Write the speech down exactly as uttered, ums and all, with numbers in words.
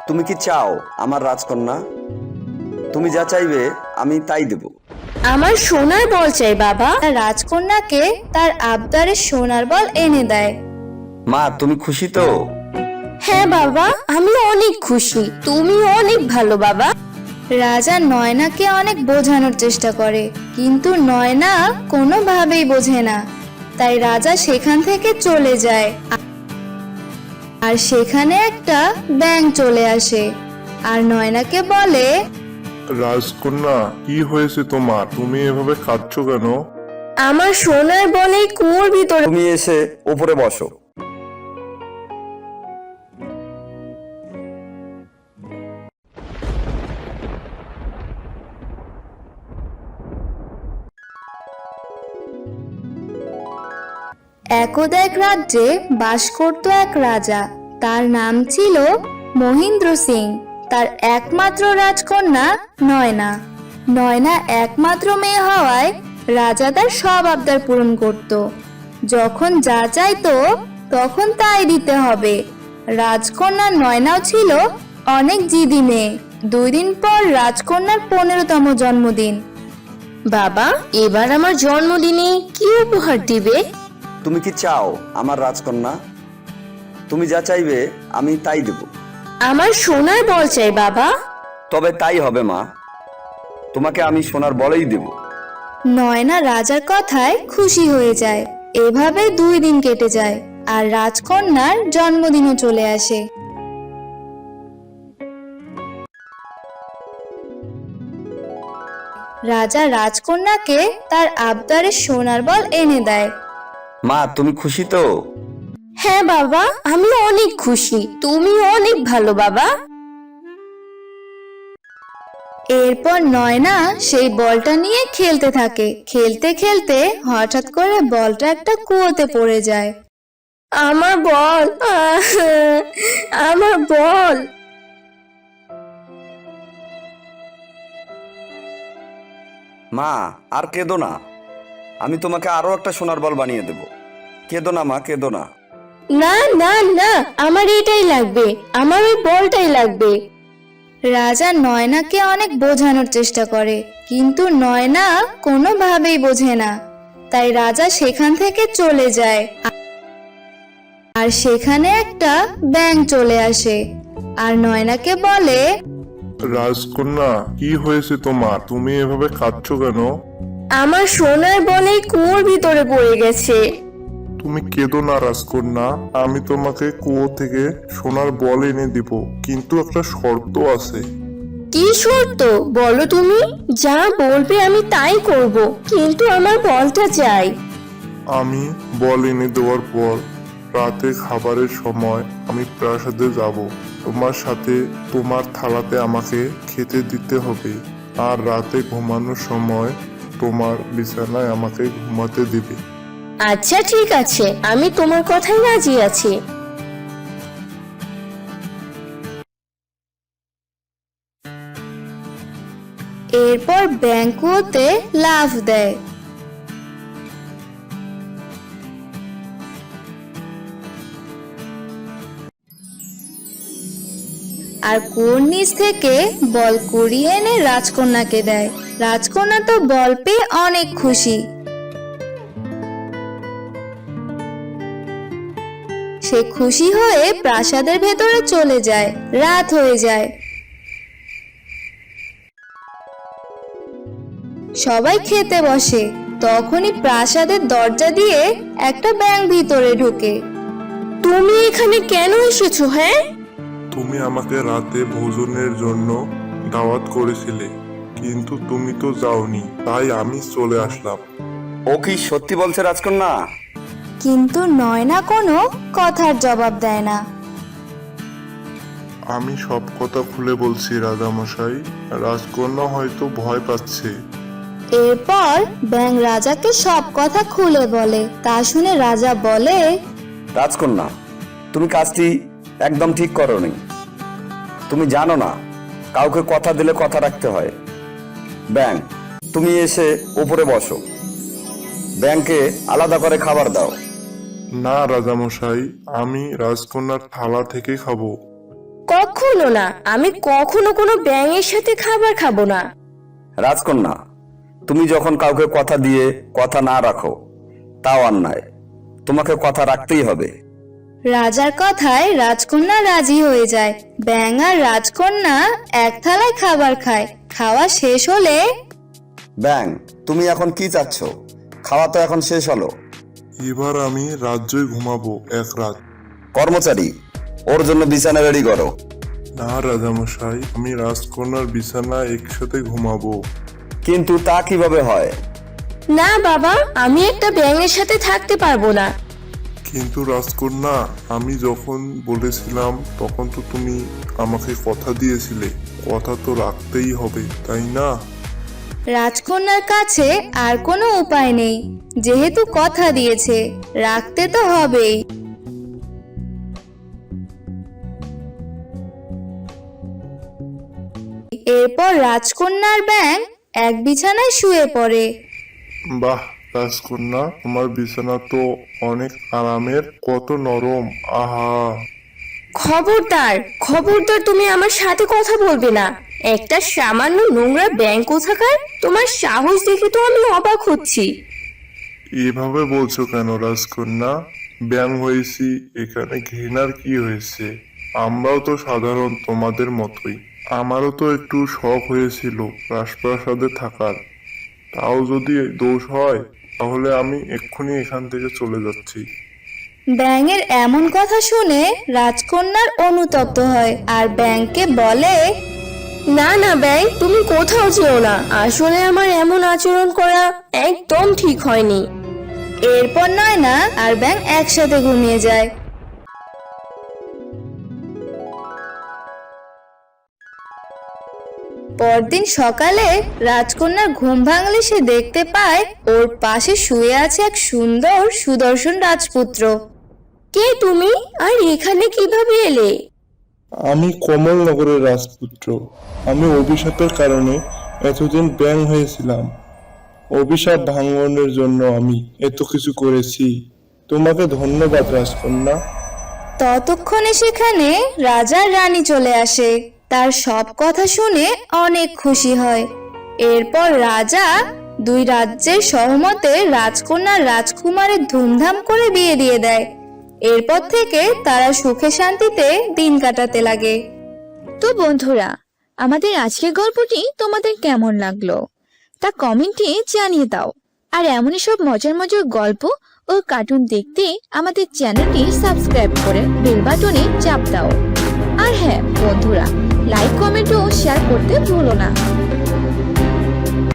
তুমি কি চাও আমার রাজকন্যা? তুমি যা চাইবে আমি তাই দেব। আমার সোনার বল চাই বাবা। রাজকন্যাকে তার আবদারের সোনার বল এনে দেয়। মা তুমি খুশি তো? হ্যাঁ বাবা, আমি অনেক খুশি। তুমি অনেক ভালো বাবা। রাজা নয়নাকে অনেক বোঝানোর চেষ্টা করে, কিন্তু নয়না কোনোভাবেই বোঝে না। তাই রাজা সেখান থেকে চলে যায়। আর সেখানে একটা ব্যাঙ চলে আসে আর নয়নাকে বলে, রাজকন্যা, কি হয়েছে তোমার? তুমি এভাবে কাঁদছো কেন? আমার সোনার বল এই কুয়োর ভিতরে। তুমি এসে উপরে বসো। একদা এক রাজ্যে বাস করত এক রাজা। তার নাম ছিল মহেন্দ্র সিং। তার একমাত্র রাজকন্যা নয়না। নয়না একমাত্র মেয়ে হওয়ায় রাজা তার সব আবদার পূরণ করত। যখন যা চাইতো তখন তাই দিতে হবে। রাজকন্যা নয়নাও ছিল অনেক জিদি মেয়ে। দুই দিন পর রাজকন্যার পনেরোতম জন্মদিন। বাবা, এবার আমার জন্মদিনে কি উপহার দিবে? তুমি কি চাও আমার রাজকন্যা? তুমি যা চাইবে আমি তাই দেব। আমার সোনার বল চাই বাবা। তবে তাই হবে মা, তোমাকে আমি সোনার বলেই দেব। নয়না রাজার কথায় খুশি হয়ে যায়। এভাবে দুই দিন কেটে যায় আর রাজকন্যার জন্মদিনও চলে আসে। রাজা রাজকন্যাকে তার আবদারের সোনার বল এনে দেয়। মা তুমি খুশি তো? হ্যাঁ বাবা, আমি অনেক খুশি। তুমি অনেক ভালো বাবা। এরপর নয়না সেই বলটা নিয়ে খেলতে থাকে। খেলতে খেলতে হঠাৎ করে বলটা একটা কুয়োতে পড়ে যায়। আমার বল, আমার বল। মা আর কেঁদো না, আমি তোমাকে আরো একটা সোনার বল বানিয়ে দেব। কেঁদো না মা, কেঁদো না। না না না, আমার এটাই লাগবে। আমার ওই বলটাই লাগবে। রাজা নয়নাকে অনেক বোঝানোর চেষ্টা করে, কিন্তু নয়না কোনোভাবেই বোঝে না। তাই রাজা সেখান থেকে চলে যায়। আর সেখানে একটা ব্যাঙ চলে আসে আর নয়নাকে বলে, রাজকন্যা, কি হয়েছে তোমার? তুমি এভাবে কাঁদছো কেন? আমার সোনার বল এই কুয়োর ভিতরে পড়ে গেছে। তুমি কেঁদো না রাজকন্যা, আমি তোমাকে কুয়ো থেকে সোনার বল এনে দিব, কিন্তু একটা শর্ত আছে। কি শর্ত বলো তুমি? যা বলবে আমি তাই করব, কিন্তু আমার বলটা চাই। আমি বল এনে দেওয়ার পর রাতে খাবারের সময় আমি প্রাসাদে যাব। তোমার সাথে তোমার থালাতে আমাকে খেতে দিতে হবে, আর রাতে ঘুমানোর সময় তোমার বিছানায় আমাকে ঘুমাতে দিবে। আচ্ছা ঠিক আছে, আমি তোমার কথাই রাজি আছি। এরপর ব্যাংকুতে লাফ দেয়। আর কুয়োর নিচ থেকে বল কুড়িয়ে এনে রাজকন্যাকে দেয়। রাজকন্যা তো বল পেয়ে অনেক খুশি। সে খুশি হয়ে প্রাসাদের ভেতরে চলে যায়। রাত হয়ে যায়। সবাই খেতে বসে। তখনই প্রাসাদের দরজা দিয়ে একটা ব্যাঙ ভিতরে ঢোকে। তুমি এখানে কেন এসেছো? হ্যাঁ, তুমি আমাকে রাতে ভোজনের জন্য দাওয়াত করেছিলে, কিন্তু তুমি তো যাওনি, তাই আমি চলে আসলাম। ও কি সত্যি বলছে রাজকন্যা? কিন্তু নয়না কোনো কথার জবাব দেয় না। আমি সব কথা খুলে বলছি রাজামশাই, রাজকন্যা হয়তো ভয় পাচ্ছে। এরপর ব্যাঙ রাজাকে সব কথা খুলে বলে। তা শুনে রাজা বলে, রাজকন্যা, তুমি কাজটি একদম ঠিক করোনি। তুমি জানো না, কাউকে কথা দিলে কথা রাখতে হয়। ব্যাঙ, তুমি এসে উপরে বসো। ব্যাঙকে আলাদা করে খাবার দাও। না রাজামশাই, আমি রাজকন্যার থালা থেকে খাবো। কখন কখনো না, আমি কখনো কোনো ব্যাঙের সাথে খাবার খাবো না। রাজকন্যা, তুমি যখন কাউকে কথা দিয়ে কথা না রাখো তাও অন্যায়, তোমাকে কথা রাখতেই হবে। রাজার কথায় রাজকন্যা রাজি হয়ে যায়। ব্যাঙ আর রাজকন্যা এক থালায় খাবার খায়। খাওয়া শেষ হলে ব্যাং, তুমি এখন কি চাচ্ছ? খাওয়া তো এখন শেষ হলো। এবার আমি রাজ্যই ঘুমাবো এক রাত। কর্মচারী, ওর জন্য বিছানা রেডি করো। না রাজামশাই, আমি রাজকন্যার বিছানা একসাথে ঘুমাবো। কিন্তু তা কিভাবে হয়? না বাবা, আমি একটা ব্যাঙের সাথে থাকতে পারবো না। কিন্তু রাজকন্যা, আমি যখন বলেছিলাম তখন তো তুমি আমাকে কথা দিয়েছিলে, কথা তো রাখতেই হবে, তাই না? রাজকন্যার কাছে আর কোনো উপায় নেই, যেহেতু কথা দিয়েছে রাখতে তো হবেই। এরপর রাজকন্যার ব্যাঙ এক বিছানায় শুয়ে পড়ে। বাহ রাজকন্যা, তোমার বিছানা তো অনেক আরামের, কত নরম, আহা। খবরদার, খবরদার, তুমি আমার সাথে কথা বলবে না। একটা সামান্য নোংরা ব্যাঙ কোথাকার, তোমার সাহস দেখে তো আমি অবাক হচ্ছি। এভাবে বলছো কেন রাজকন্যা? ব্যাং হয়েছি, এখানে ঘৃণার কি হয়েছে? আমরাও তো সাধারণ তোমাদের মতোই। আমারও তো একটু শখ হয়েছিল রাজপ্রাসাদে থাকার। তাও যদি দোষ হয় তাহলে আমি এক্ষুনি এখান থেকে চলে যাচ্ছি। ব্যাঙের এমন কথা শুনে রাজকন্যার অনুতপ্ত হয় আর ব্যাঙকে বলে, না না ব্যাঙ, তুমি কোথাও যেও না। আসলে আমার এমন আচরণ করা একদম ঠিক হয়নি। এরপর নয়না আর ব্যাঙ একসাথে ঘুমিয়ে যায়। পরদিন সকালে রাজকন্যার ঘুম ভাঙলে সে দেখতে পায় ওর পাশে শুয়ে আছে এক সুন্দর সুদর্শন রাজপুত্র। কে তুমি, আর এখানে কিভাবে এলে? আমি কমলনগরের রাজপুত্র। আমি অভিশাপের কারণে এতদিন ব্যাং হয়েছিলাম। অভিশাপ ভাঙনের জন্য আমি এত কিছু করেছি। তোমাকে ধন্যবাদ রাজকন্যা। ততক্ষণে সেখানে রাজার রানী চলে আসে। তার সব কথা শুনে অনেক খুশি হয়। এরপর রাজা দুই রাজ্যের সহমতে রাজকন্যা রাজকুমারের ধুমধাম করে বিয়ে দিয়ে দেয়। এরপর থেকে তারা সুখে শান্তিতে দিন কাটাতে লাগে। তো বন্ধুরা, আমাদের আজকের গল্পটি তোমাদের কেমন লাগলো তা কমেন্টে জানিয়ে দাও। আর এমনই সব মজার মজার গল্প ও কার্টুন দেখতে আমাদের চ্যানেলটি সাবস্ক্রাইব করে বেল বাটনে চাপ দাও। আর হ্যাঁ বন্ধুরা, লাইক কমেন্ট ও শেয়ার করতে ভুলো না।